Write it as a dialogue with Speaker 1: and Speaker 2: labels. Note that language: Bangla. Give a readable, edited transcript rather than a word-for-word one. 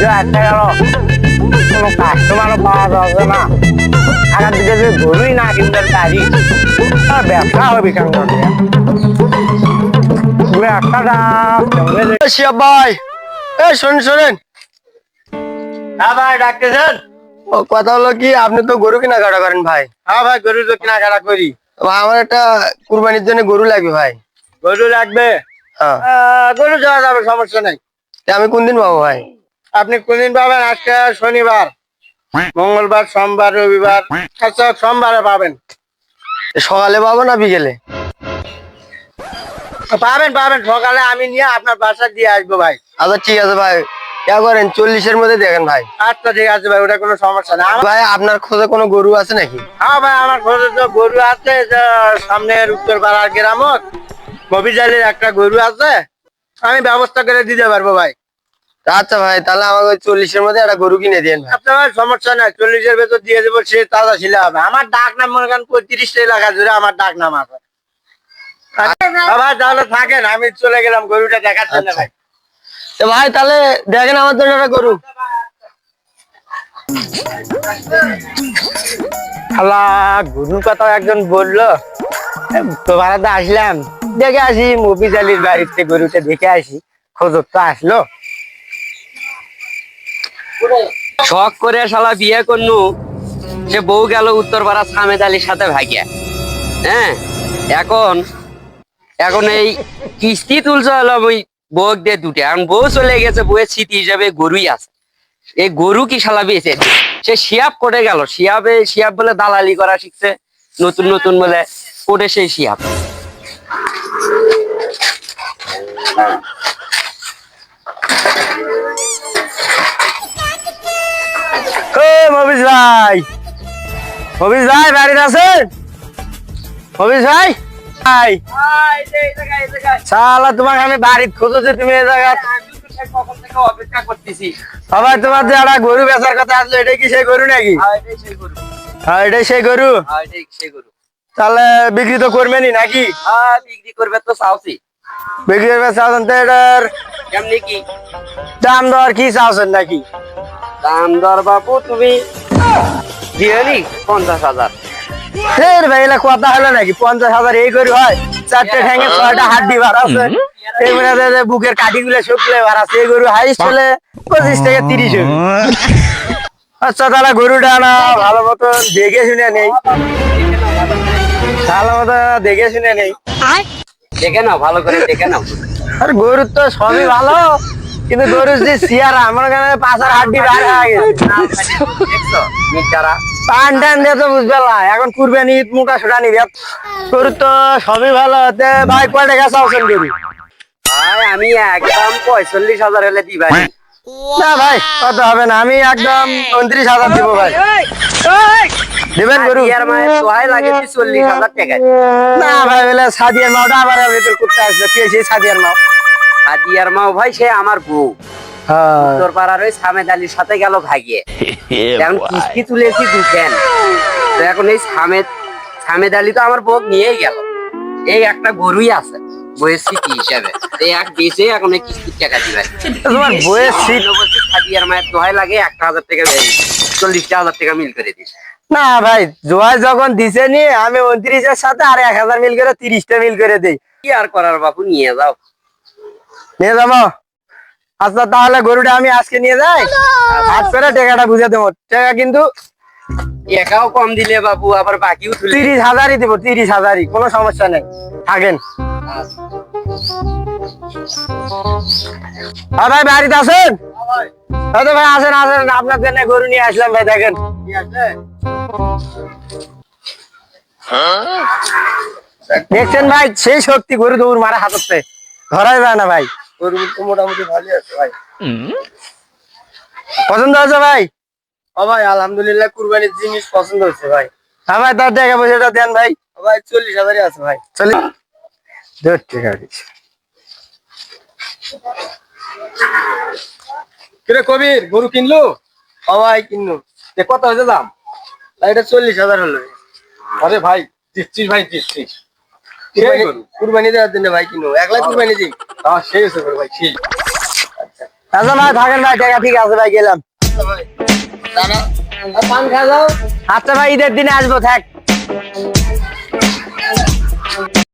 Speaker 1: আসতে গেল, কোনো কাস্টমারও পাওয়া যাচ্ছে না। আগার দিকে যে গরুই না কিনতে পারি, ব্যবসা হবে কেন?
Speaker 2: শিয়াব ভাই, শোনেন।
Speaker 1: হ্যাঁ ভাই, ডাকতেছেন?
Speaker 2: ও কথা হলো কি, আপনি তো গরু কেনাকাটা করেন ভাই।
Speaker 1: হ্যাঁ ভাই, গরু তো কেনাকাটা করি।
Speaker 2: ভাই, আমার একটা কুরবানির জন্য গরু লাগবে ভাই।
Speaker 1: গরু লাগবে?
Speaker 2: হ্যাঁ।
Speaker 1: গরু যাওয়া যাবে, সমস্যা নাই।
Speaker 2: তা আমি কোন দিন পাবো ভাই?
Speaker 1: আপনি কোনদিন পাবেন? আজকে শনিবার, মঙ্গলবার, সোমবার, রবিবার। আচ্ছা, সোমবারে পাবেন।
Speaker 2: সকালে পাবো না বিকেলে?
Speaker 1: পাবেন পাবেন, সকালে আমি নিয়ে আপনার বাসা দিয়ে আসবো ভাই।
Speaker 2: আচ্ছা ঠিক আছে ভাই, করেন 40-এর মধ্যে দেখেন ভাই।
Speaker 1: আচ্ছা ঠিক আছে ভাই, ওটা কোনো সমস্যা না।
Speaker 2: ভাই, আপনার খোঁজে কোনো গরু আছে নাকি?
Speaker 1: হ্যাঁ ভাই, আমার খোঁজে তো গরু আছে, যে সামনের উত্তর পাড়ার গ্রামত মফিজালির একটা গরু আছে, আমি ব্যবস্থা করে দিতে পারবো ভাই।
Speaker 2: আচ্ছা ভাই, তাহলে আমাকে ওই 40-এর মধ্যে একটা গরু কিনে দিন ভাই।
Speaker 1: আচ্ছা ভাই, সমস্যা নাই, 40-এর ভেতর দিয়ে দেবো। সে তাজা ছিল হবে। আমার ডাক নাম মনে করেন 35টা এলাকা জুড়ে আমার ডাক নাম আছে। ভাই তাহলে থাকেন, আমি চলে গেলাম গরুটা দেখার জন্য ভাই।
Speaker 2: তো ভাই তাহলে দেখেন আমার জন্য একটা গরু।
Speaker 1: খালা গরুর কথা একজন বললো, তো ভাড়াতে আসলাম, দেখে আসি মফিজালির বাড়িতে গরুটা দেখে আসি। খোঁজত তো আসলো।
Speaker 3: শখ করে শালা বিয়ে করনু, সে বউ গেল উত্তরপাড়া সামেদ আলীর সাথে ভাগিয়া। হ্যাঁ, এখন এখন এই কিস্তি তুলছে হলো ওই বউ দিয়ে দুটে, এখন বউ চলে গেছে, বউয়ের স্মৃতি হিসাবে গরুই আছে। এই গরু কি শালা বেঁচে, সে শিয়াব কোটে গেল, শিয়াব বলে দালালি করা শিখছে, নতুন নতুন বলে কোটে সেই শিয়াব।
Speaker 1: মফিজ ভাই, মফিজ ভাই বাড়িতে আছেন? মফিজ ভাই, শালা তোমাকে আমি বাড়িতে খুঁজেছি, তুমি এই জায়গা
Speaker 3: অপেক্ষা করতেছি।
Speaker 1: সবাই তোমার যে একটা গরু বেচার কথা আসলো, এটাই কি সেই গরু নাকি? হ্যাঁ, এটাই সেই গরু। তাহলে বিক্রি তো করবেনই নাকি?
Speaker 3: বিক্রি করবে তো চাওছি।
Speaker 1: বিক্রি করবে চাচ্ছেন তো, এটার
Speaker 3: কেমনি কি
Speaker 1: দাম দর কি চাচ্ছেন নাকি?
Speaker 3: দাম দর বাবু তুমি দিয়ে নি 50,000।
Speaker 1: ফের ভাই, এলা কথা হলো নাকি? 50,000 এই গরু হয়? 4টে ঠ্যাঙে 6টা হাড্ডি বার আছে, এই মনে হয় যে বুকের কাঠি গুলো শুকলে বার আছে। এই গরু হাইস্ট হলে 25 থেকে 30 হবে। আচ্ছা তাহলে গরুটা না ভালো মতো দেখে শুনে নেই, ভালো মতো দেখে শুনে নেই।
Speaker 3: দেখে নাও, ভালো করে দেখে নাও।
Speaker 1: আর গরুর তো সবই ভালো, কিন্তু গরুর যে সিয়ারা আমার কাছে পাঁচার হাড্ডি বার হয়ে গেছে।
Speaker 3: দেখছো মিটারা
Speaker 1: টান টান দিয়ে তো বুঝবে না, এখন কুরবানি ঈদ মুখা সোটা নিবে। গরুর তো সবই ভালো হতে ভাই, কয় টাকা চাওছেন গরু?
Speaker 3: ভাই আমি একদম 45,000 হলে দিবা।
Speaker 1: না ভাই, কত হবে না, আমি একদম 29,000 দিব ভাই। দিবেন গরু?
Speaker 3: আর মায়ের দোহাই লাগে 40,000 টাকা।
Speaker 1: না ভাই, বলে সাদিয়ার মাওটা আবার ভেতর করতে আসবে, কে সেই সাদিয়ার মাও?
Speaker 3: হাদিয়ার মাও ভাই সে আমার বউ,
Speaker 1: হ্যাঁ,
Speaker 3: তোর পাড়ার ওই সামেদ আলীর সাথে গেল ভাগিয়ে। এখন কিস্তি তুলেছি দুখেন, তো এখন এই সামেদ আলী তো আমার বউ নিয়েই গেল। এই একটা গরুই আছে বইয়ের স্মৃতি হিসাবে, এই এক বেঁচে এখন এই কিস্তির টাকা দিবে।
Speaker 1: তোমার বইয়ের সিট?
Speaker 3: হাদিয়ার মায়ের দোহাই লাগে 1,000 টাকা, 40,000 টাকা মিল করে দিস।
Speaker 1: না ভাই, জোয়াই যখন দিছে নি, আমি 29-এর সাথে আর 1,000 মিল করে 30টা মিল করে দেই।
Speaker 3: কি আর করার বাপু, নিয়ে যাও।
Speaker 1: নিয়ে যাবো? আচ্ছা তাহলে গরুটা আমি আজকে নিয়ে যাই, হাত করে টাকাটা বুঝে দেবো। টাকা কিন্তু
Speaker 3: একাও কম দিলে বাবু, আবার বাকিও তুলে
Speaker 1: 30,000-ই দেবো, 30,000-ই, কোনো সমস্যা নেই, থাকেন। হ্যাঁ ভাই, বাড়িতে আছেন? হয়তো ভাই আসেন আসেন, আপনার জন্য গরু নিয়ে আসলাম ভাই, দেখেন। দেখছেন ভাই, সেই শক্তি গরু দৌড় মারা হাততে ধরাই যায় না ভাই।
Speaker 2: গরু তো মোটামুটি ভালোই আছে ভাই।
Speaker 1: পছন্দ হয়েছে ভাই?
Speaker 2: ও ভাই, আলহামদুলিল্লাহ কুরবানির জিনিস পছন্দ হচ্ছে ভাই।
Speaker 1: হ্যাঁ ভাই, তার টাকা পয়সাটা দেন ভাই।
Speaker 2: ও ভাই, 40,000-ই আছে ভাই।
Speaker 1: চলি, 2 টাকা দিচ্ছি।
Speaker 2: কিরে কবির, গরু কিনলো? ও ভাই কিনলো। কত হয়েছে দাম? এটা 40,000 হলো। আরে ভাই, দিচ্ছিস ভাই, দিচ্ছিস। কুরবানি দেওয়ার জন্য ভাই কিনো, 1 লাখ কুরবানি দিই। সেই হচ্ছে ভাই, সেই।
Speaker 1: আচ্ছা ভাই থাকেন ভাই, টাকা ঠিক আছে ভাই, গেলাম।
Speaker 2: পান খা যাও।
Speaker 1: আচ্ছা ভাই, ঈদের দিনে আসবো, থাক।